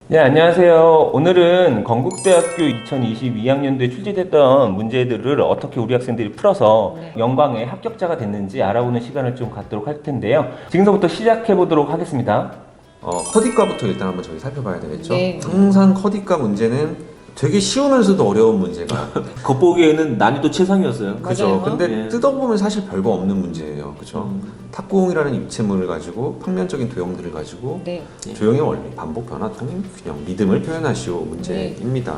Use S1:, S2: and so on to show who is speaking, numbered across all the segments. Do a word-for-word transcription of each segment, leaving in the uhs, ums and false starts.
S1: 네, 안녕하세요. 오늘은 건국대학교 이천이십이 학년도에 출제됐던 문제들을 어떻게 우리 학생들이 풀어서
S2: 네.
S1: 영광의 합격자가 됐는지 알아보는 시간을 좀 갖도록 할 텐데요. 지금부터 시작해 보도록 하겠습니다.
S3: 어, 커디과부터 일단 한번 저희 살펴봐야 되겠죠?
S2: 네.
S3: 항상 커디과 문제는 되게 쉬우면서도 어려운 문제가
S4: 겉보기에는 난이도 최상이었어요.
S3: 그죠?
S2: 맞아요.
S3: 근데
S4: 예.
S3: 뜯어보면 사실 별거 없는 문제예요. 그죠?
S4: 음.
S3: 탁구공이라는 입체물을 가지고 평면적인 도형들을 가지고
S2: 네.
S3: 조형의 원리, 반복, 변화, 통임, 균형, 리듬을 표현하시오 문제입니다.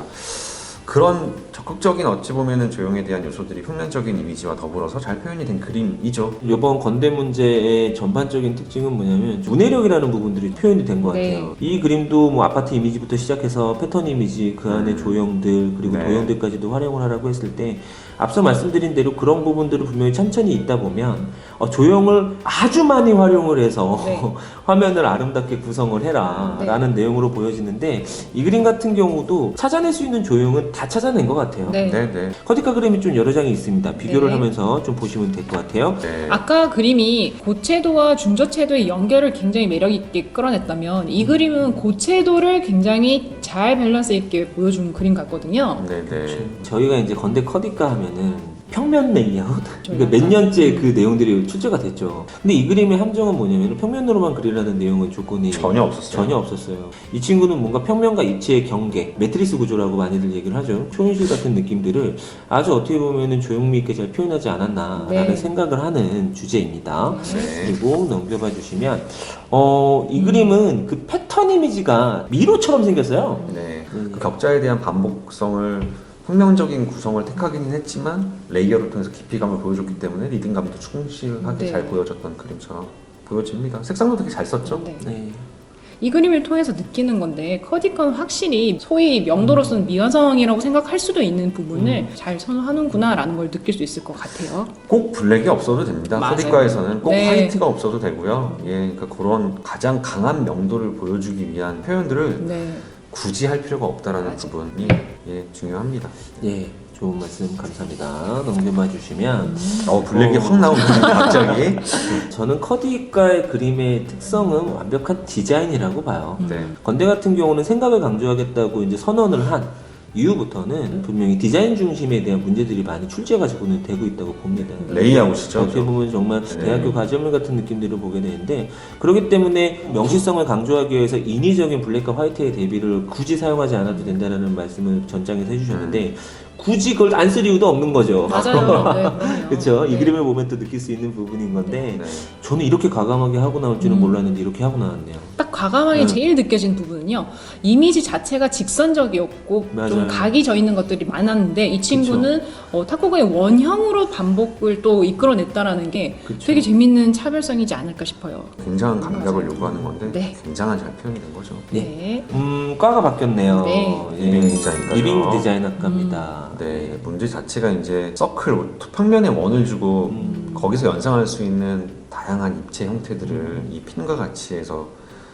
S3: 그런 적극적인 어찌 보면은 조형에 대한 요소들이 평면적인 이미지와 더불어서 잘 표현이 된 그림이죠.
S4: 이번 건대 문제의 전반적인 특징은 뭐냐면 문해력이라는 부분들이 표현이 된 것
S2: 네.
S4: 같아요. 이 그림도 뭐 아파트 이미지부터 시작해서 패턴 이미지, 그 안에 조형들 그리고
S3: 네.
S4: 도형들까지도 활용을 하라고 했을 때 앞서 말씀드린 대로 그런 부분들을 분명히 천천히 있다 보면 어, 조형을 아주 많이 활용을 해서
S2: 네.
S4: 화면을 아름답게 구성을 해라
S2: 네.
S4: 라는 내용으로 보여지는데 이 그림 같은 경우도 찾아낼 수 있는 조형은 다 찾아낸 것 같아요.
S2: 네.
S3: 네네.
S4: 커디카 그림이 좀 여러 장이 있습니다. 비교를
S2: 네.
S4: 하면서 좀 보시면 될 것 같아요.
S3: 네.
S2: 아까 그림이 고채도와 중저채도의 연결을 굉장히 매력있게 끌어냈다면 이 그림은 고채도를 굉장히 잘 밸런스 있게 보여준 그림 같거든요.
S3: 네네.
S4: 저희가 이제 건대 커디카 하면은 평면 레이아웃 그러니까 몇
S2: 약간,
S4: 년째 그 내용들이 출제가 됐죠. 근데 이 그림의 함정은 뭐냐면 평면으로만 그리라는 내용은 조건이
S3: 전혀 없었어요.
S4: 전혀 없었어요. 이 친구는 뭔가 평면과 입체의 경계, 매트리스 구조라고 많이들 얘기를 하죠. 초현실 같은 느낌들을 아주 어떻게 보면은 조형미 있게 잘 표현하지 않았나라는
S2: 네.
S4: 생각을 하는 주제입니다.
S3: 네.
S4: 그리고 넘겨봐 주시면 어, 이 그림은 그 패턴 이미지가 미로처럼 생겼어요.
S3: 네.
S4: 음.
S3: 그 격자에 대한 반복성을 평면적인 구성을 택하기는 했지만 레이어를 통해서 깊이감을 보여줬기 때문에 리듬감도 충실하게
S2: 네.
S3: 잘 보여줬던 그림처럼 보여집니다. 색상도 되게 잘 썼죠?
S2: 네.
S4: 네.
S2: 이 그림을 통해서 느끼는 건데 커디카는 확실히 소위 명도로 쓰는 미완성이라고 생각할 수도 있는 부분을 잘 선호하는구나 라는 걸 느낄 수 있을 것 같아요.
S3: 꼭 블랙이 없어도 됩니다.
S2: 맞아요.
S3: 커디과에서는 꼭
S2: 네.
S3: 화이트가 없어도 되고요. 예, 그러니까 그런 가장 강한 명도를 보여주기 위한 표현들을
S2: 네.
S3: 굳이 할 필요가 없다라는
S2: 맞아.
S3: 부분이 예, 중요합니다.
S4: 예, 좋은 말씀 감사합니다. 넘겨봐 주시면
S3: 어, 블랙이
S4: 어.
S3: 확 나오네요, 갑자기.
S4: 저는 커디과의 그림의 특성은 완벽한 디자인이라고 봐요.
S3: 네.
S4: 건대 같은 경우는 생각을 강조하겠다고 이제 선언을 한 이후부터는 분명히 디자인 중심에 대한 문제들이 많이 출제가 지고는 되고 있다고 봅니다.
S3: 레이아웃이죠.
S4: 어떻게 보면 정말
S3: 네.
S4: 대학교 과제물 같은 느낌들을 보게 되는데 그렇기 때문에 명시성을 강조하기 위해서 인위적인 블랙과 화이트의 대비를 굳이 사용하지 않아도 된다는 말씀을 전장에서 해주셨는데 굳이 그걸 안 쓸 이유도 없는 거죠.
S2: 맞아요. 네, 그럼요.
S4: 그렇죠. 이
S2: 네.
S4: 그림을 보면 또 느낄 수 있는 부분인 건데
S3: 네.
S4: 저는 이렇게 과감하게 하고 나올 줄은
S2: 음.
S4: 몰랐는데 이렇게 하고 나왔네요.
S2: 딱 과감하게
S4: 음.
S2: 제일 느껴진 부분은요. 이미지 자체가 직선적이었고
S4: 맞아요.
S2: 좀 각이 져 있는 것들이 많았는데 이 친구는 어, 탁구공의 원형으로 반복을 또 이끌어냈다라는 게
S4: 그쵸.
S2: 되게 재밌는 차별성이지 않을까 싶어요.
S3: 굉장한 감각을 요구하는 건데
S2: 네.
S3: 굉장한 잘 표현이 된 거죠.
S2: 네.
S4: 음, 과가 바뀌었네요.
S2: 네.
S4: 예.
S3: 리빙 디자인과죠.
S4: 리빙 디자인 학과입니다.
S3: 네, 문제 자체가 이제 서클, 평면에 원을 주고
S4: 음.
S3: 거기서 연상할 수 있는 다양한 입체 형태들을 이 핀과 같이 해서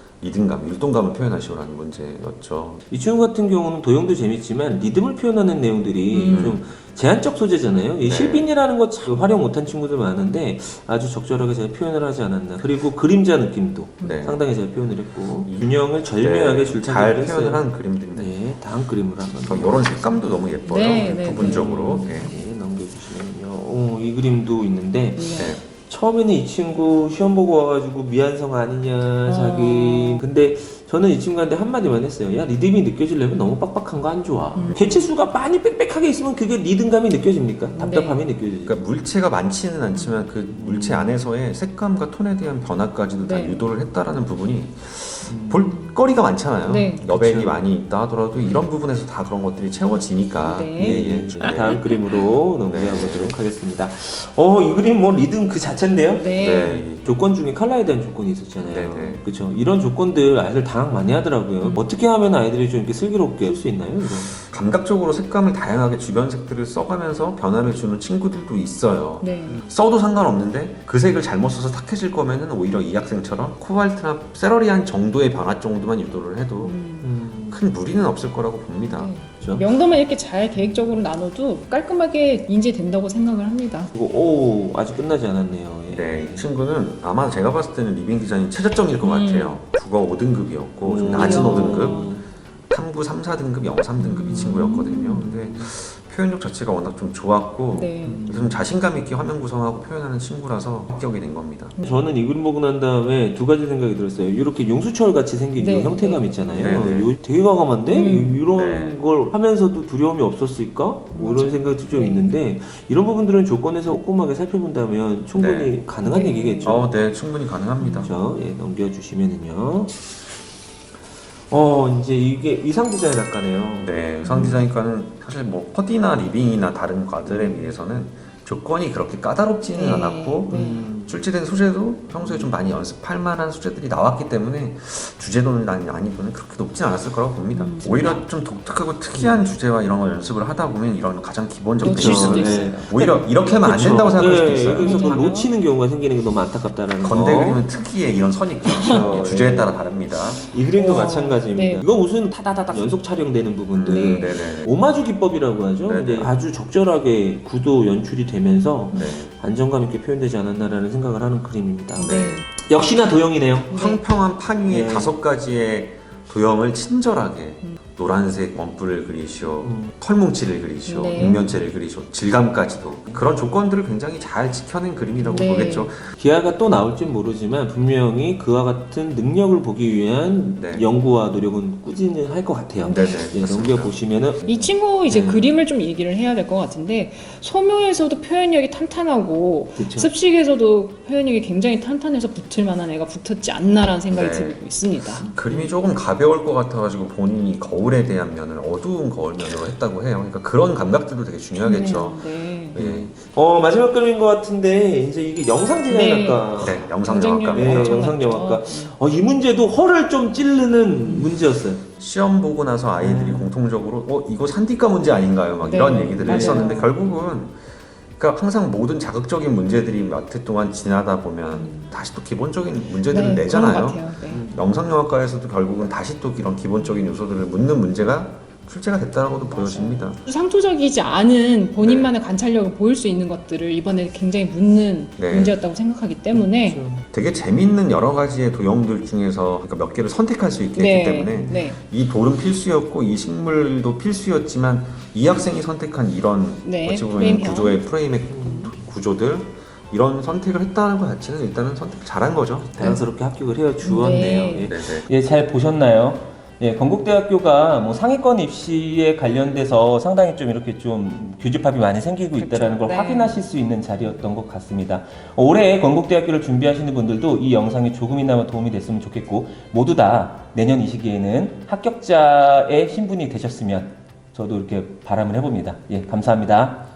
S3: 리듬감, 율동감을 표현하시오라는 문제였죠.
S4: 이 친구 같은 경우는 도형도 재밌지만 리듬을 표현하는 내용들이
S2: 음.
S4: 좀 제한적 소재잖아요. 이
S3: 네.
S4: 실빈이라는 거 참 활용 못한 친구들 많은데 아주 적절하게 잘 표현을 하지 않았나. 그리고 그림자 느낌도
S3: 네.
S4: 상당히 잘 표현을 했고 균형을 절묘하게
S3: 네,
S4: 줄타기를
S3: 잘
S4: 했어요.
S3: 표현을 한 그림들인데
S4: 네, 다음 그림을 한번
S3: 이런 색감도 너무 예뻐요.
S2: 네, 네,
S3: 부분적으로. 네.
S4: 네, 넘겨주시면요. 오, 이 그림도 있는데
S2: 네.
S3: 네.
S4: 처음에는 이 친구 시험 보고 와가지고 미완성 아니냐 자기
S2: 어.
S4: 근데 저는 이 친구한테 한마디만 했어요. 야 리듬이 느껴지려면 너무 빡빡한 거 안 좋아.
S2: 음.
S4: 개체수가 많이 빽빽하게 있으면 그게 리듬감이 느껴집니까? 답답함이 느껴지죠.
S3: 그러니까 물체가 많지는 않지만 그 물체 안에서의 색감과 톤에 대한 변화까지도 다
S2: 네.
S3: 유도를 했다라는 부분이 볼거리가 많잖아요.
S2: 네.
S3: 여백이
S4: 그쵸.
S3: 많이 있다 하더라도 이런 부분에서 다 그런 것들이 채워지니까.
S2: 네.
S4: 예, 예. 다음 그림으로 넘어가 보도록 하겠습니다. 어, 이 그림 뭐 리듬 그 자체인데요?
S2: 네.
S3: 네.
S4: 조건 중에 컬러에 대한 조건이 있었잖아요.
S3: 네네.
S4: 그렇죠. 이런 조건들 아이들 당황 많이 하더라고요. 어떻게 하면 아이들이 좀 이렇게 슬기롭게 할 수 있나요? 이거?
S3: 감각적으로 색감을 다양하게 주변 색들을 써가면서 변화를 주는 친구들도 있어요.
S2: 네.
S3: 써도 상관없는데 그 색을 잘못 써서 탁해질 거면은 오히려 이 학생처럼 코발트나 세러리안 정도의 변화 정도만 유도를 해도
S2: 음.
S4: 음,
S3: 큰 무리는 없을 거라고 봅니다.
S2: 네.
S4: 그렇죠.
S2: 명도만 이렇게 잘 계획적으로 나눠도 깔끔하게 인지된다고 생각을 합니다.
S4: 그리고 오 아직 끝나지 않았네요. 예.
S3: 네, 이 친구는 아마 제가 봤을 때는 리빙 디자인이 최저점일 것
S2: 음.
S3: 같아요. 국어 오 등급이었고 좀
S4: 음.
S3: 낮은
S2: 이야.
S3: 오 등급. 일구 삼사 등급, 영삼 등급 이 친구였거든요. 근데 표현력 자체가 워낙 좀 좋았고
S2: 네.
S3: 좀 자신감 있게 화면 구성하고 표현하는 친구라서 합격이 된 겁니다.
S4: 저는 이 그림 보고 난 다음에 두 가지 생각이 들었어요. 이렇게 용수철 같이 생긴
S2: 네.
S4: 이 형태감 있잖아요.
S3: 네, 네.
S4: 요 되게 과감한데
S2: 음.
S4: 이런
S3: 네.
S4: 걸 하면서도 두려움이 없었을까? 뭐 이런 생각도 좀
S2: 네.
S4: 있는데 이런 부분들은 조건에서 꼼꼼하게 살펴본다면 충분히
S3: 네.
S4: 가능한
S2: 네.
S4: 얘기겠죠.
S3: 어, 네, 충분히 가능합니다.
S4: 그렇죠. 예, 넘겨주시면은요. 어 이제 이게 의상 디자인 학과네요.
S3: 네, 의상 디자인과는 사실 뭐 퍼디나 리빙이나 다른 과들에 비해서는 조건이 그렇게 까다롭지는
S2: 네.
S3: 않았고
S2: 네.
S4: 음,
S3: 출제된 소재도 평소에 좀 많이 연습할 만한 소재들이 나왔기 때문에 주제도는 난이도는 그렇게 높진 않았을 거라고 봅니다.
S2: 음,
S3: 오히려 좀 독특하고 특이한 주제와 이런 걸 연습을 하다 보면 이런 가장 기본적인
S2: 놓칠 수도
S3: 실수를
S2: 있어요.
S3: 오히려 이렇게 하면 안
S4: 그렇죠.
S3: 된다고 생각할 수도
S4: 네,
S3: 있어요.
S4: 그래서 그걸
S2: 맞아요.
S4: 놓치는 경우가 생기는 게 너무 안타깝다라는
S3: 건대
S4: 거.
S3: 그림은 특이의 이런 선이 있죠.
S4: 그렇죠.
S3: 주제에 따라 다릅니다.
S4: 이 그림도
S2: 와,
S4: 마찬가지입니다.
S2: 네.
S4: 이거 무슨 타다다닥 연속 촬영되는 부분들.
S3: 음, 네네.
S4: 오마주 기법이라고 하죠.
S3: 네네.
S4: 근데 아주 적절하게 구도 연출이 되면서
S3: 네.
S4: 안정감 있게 표현되지 않았나라는 생각을 하는 그림입니다.
S2: 네.
S4: 역시나 도형이네요.
S3: 평평한 판 위에
S4: 네.
S3: 다섯 가지의 도형을 친절하게 노란색 원뿔을 그리시오,
S4: 음.
S3: 털뭉치를 그리시오,
S2: 네.
S3: 육면체를 그리시오, 질감까지도 그런 조건들을 굉장히 잘 지켜낸 그림이라고
S2: 네.
S3: 보겠죠.
S4: 기아가 또 나올진 모르지만 분명히 그와 같은 능력을 보기 위한
S3: 네.
S4: 연구와 노력은 꾸준히 할 것 같아요.
S3: 네네.
S4: 예,
S3: 맞습니다.
S4: 넘겨보시면은
S2: 이 친구 이제
S4: 음.
S2: 그림을 좀 얘기를 해야 될 것 같은데 소묘에서도 표현력이 탄탄하고
S4: 그쵸.
S2: 습식에서도 표현력이 굉장히 탄탄해서 붙을 만한 애가 붙었지 않나라는 생각이
S3: 네.
S2: 들고 있습니다.
S3: 그림이 조금 가벼울 것 같아가지고 본인이 거울에 대한 면을 어두운 거울 면으로 했다고 해요. 그러니까 그런 감각들도 되게 중요하겠죠.
S2: 네.
S3: 예.
S4: 어 마지막 그림인 것 같은데 이제 이게 영상 디자인학과
S3: 네, 영상영화과.
S4: 네, 영상영화과. 어, 이 문제도 허를 좀 찌르는 문제였어요.
S3: 시험 보고 나서 아이들이 공통적으로 어 이거 산디과 문제 아닌가요? 막
S2: 네,
S3: 이런 얘기들을
S2: 맞아요.
S3: 했었는데 결국은 그러니까 항상 모든 자극적인 문제들이 몇 해 동안 지나다 보면 다시 또 기본적인 문제들을
S2: 네, 그런 것
S3: 내잖아요.
S2: 같아요. 네.
S3: 영상영화과에서도 결국은 다시 또 이런 기본적인 요소들을 묻는 문제가 출제가 됐다라고도 보여집니다.
S2: 상투적이지 않은 본인만의 관찰력을 보일 수 있는 것들을 이번에 굉장히 묻는
S3: 네.
S2: 문제였다고 생각하기 때문에
S3: 되게 재밌는 여러 가지의 도형들 중에서 그러니까 몇 개를 선택할 수 있게 했기 때문에
S2: 네.
S3: 이 돌은 필수였고 이 식물도 필수였지만 이 학생이 선택한 이런
S2: 네,
S3: 어찌 보면
S2: 프레임형.
S3: 구조의 프레임의 구조들 이런 선택을 했다는 것 자체는 일단은 선택 잘한 거죠.
S4: 자연스럽게 합격을 해어 주었네요.
S2: 네.
S4: 예.
S3: 네네.
S1: 예, 잘 보셨나요? 예, 건국대학교가 뭐 상위권 입시에 관련돼서 상당히 좀 이렇게 좀 교집합이 많이 생기고 있다라는 걸
S2: 네.
S1: 확인하실 수 있는 자리였던 것 같습니다. 올해 건국대학교를 준비하시는 분들도 이 영상이 조금이나마 도움이 됐으면 좋겠고 모두 다 내년 이 시기에는 합격자의 신분이 되셨으면 저도 이렇게 바람을 해봅니다. 예, 감사합니다.